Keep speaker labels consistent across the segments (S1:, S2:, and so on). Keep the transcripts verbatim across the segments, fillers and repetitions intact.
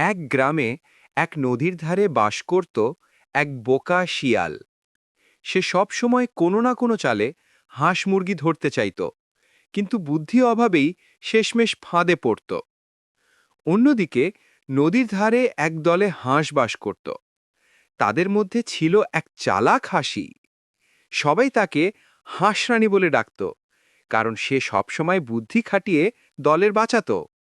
S1: এক গ্রামে এক নদীর ধারে বাস করত এক বোকা শিয়াল। সে সব সময় কোনো না কোনো চালে হাঁস মুরগি ধরতে চাইত, কিন্তু বুদ্ধি অভাবেই শেষমেশ ফাঁদে পড়ত। অন্যদিকে নদীর ধারে এক দলে হাঁস বাস করত। তাদের মধ্যে ছিল এক চালাক হাসি। সবাই তাকে হাঁসরানী বলে ডাকত, কারণ সে সবসময় বুদ্ধি খাটিয়ে দলের বাঁচাত।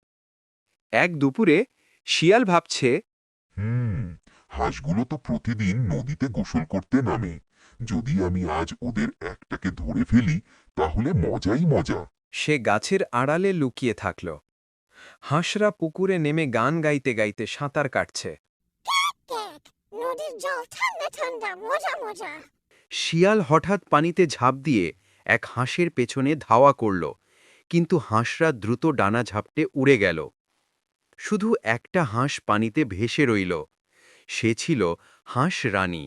S1: এক দুপুরে শিয়াল ভাবছে,
S2: হুম হাঁসগুলো তো প্রতিদিন নদীতে গোসল করতে নামে। যদি আমি আজ ওদের একটাকে ধরে ফেলি তাহলে মজাই মজা।
S1: সে গাছের আড়ালে লুকিয়ে থাকল। হাঁসরা পুকুরে নেমে গান গাইতে গাইতে সাঁতার কাটছে।
S3: ক্যাক, নদীর জল ঠান্ডা ঠান্ডা, মজা মজা।
S1: শিয়াল হঠাৎ পানিতে ঝাঁপ দিয়ে এক হাঁসের পেছনে ধাওয়া করল, কিন্তু হাঁসরা দ্রুত ডানা ঝাপটে উড়ে গেল। শুধু একটা হাঁস পানিতে ভেসে রইল। সে ছিল হাঁস রানী।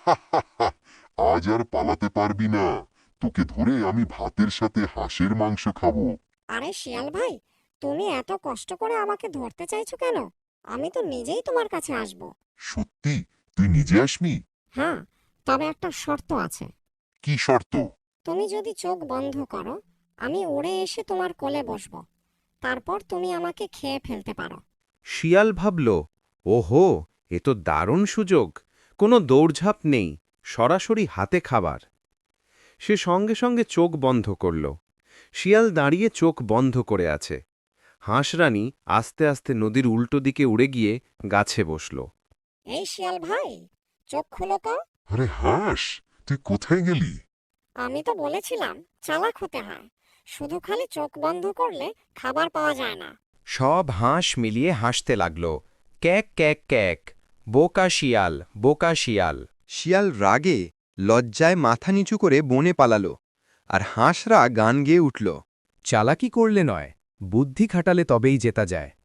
S2: আজ আর পালাতে পারবি না। তোকে ধরে আমি ভাতের সাথে হাঁসের মাংস খাবো।
S3: আরে শিয়াল ভাই, তুমি এত কষ্ট করে আমাকে ধরতে চাইছো কেন? আমি তো নিজেই তোমার কাছে আসব।
S2: সত্যি তুই নিজে আসবি?
S3: হ্যাঁ, তবে একটা শর্ত আছে।
S2: কি শর্ত?
S3: তুমি যদি চোখ বন্ধ করো, আমি উড়ে এসে তোমার কোলে বসব। তারপর তুমি আমাকে খেয়ে ফেলতে পারো।
S1: শিয়াল ভাবল, ওহো, এ তো দারুণ সুযোগ। কোনো দৌড়ঝাঁপ নেই, সরাসরি হাতে খাবার। সে সঙ্গে সঙ্গে চোখ বন্ধ করল। শিয়াল দাঁড়িয়ে চোখ বন্ধ করে আছে। হাঁসরানী আস্তে আস্তে নদীর উল্টো দিকে উড়ে গিয়ে গাছে বসল।
S3: এই শিয়াল ভাই, চোখ খুলো তো।
S2: আরে হাঁস, তুই কোথায় গেলি?
S3: আমি তো বলেছিলাম চালাক হতে হয়। শুধু খালি চোখ বন্ধ করলে খাবার পাওয়া যায় না।
S1: সব হাঁস মিলিয়ে হাসতে লাগল। ক্যাক ক্যাক ক্যাক, বোকা শিয়াল, বোকা শিয়াল। শিয়াল রাগে লজ্জায় মাথা নিচু করে বনে পালালো, আর হাঁসরা গান গেয়ে উঠল। চালাকি করলে নয়, বুদ্ধি খাটালে তবেই জেতা যায়।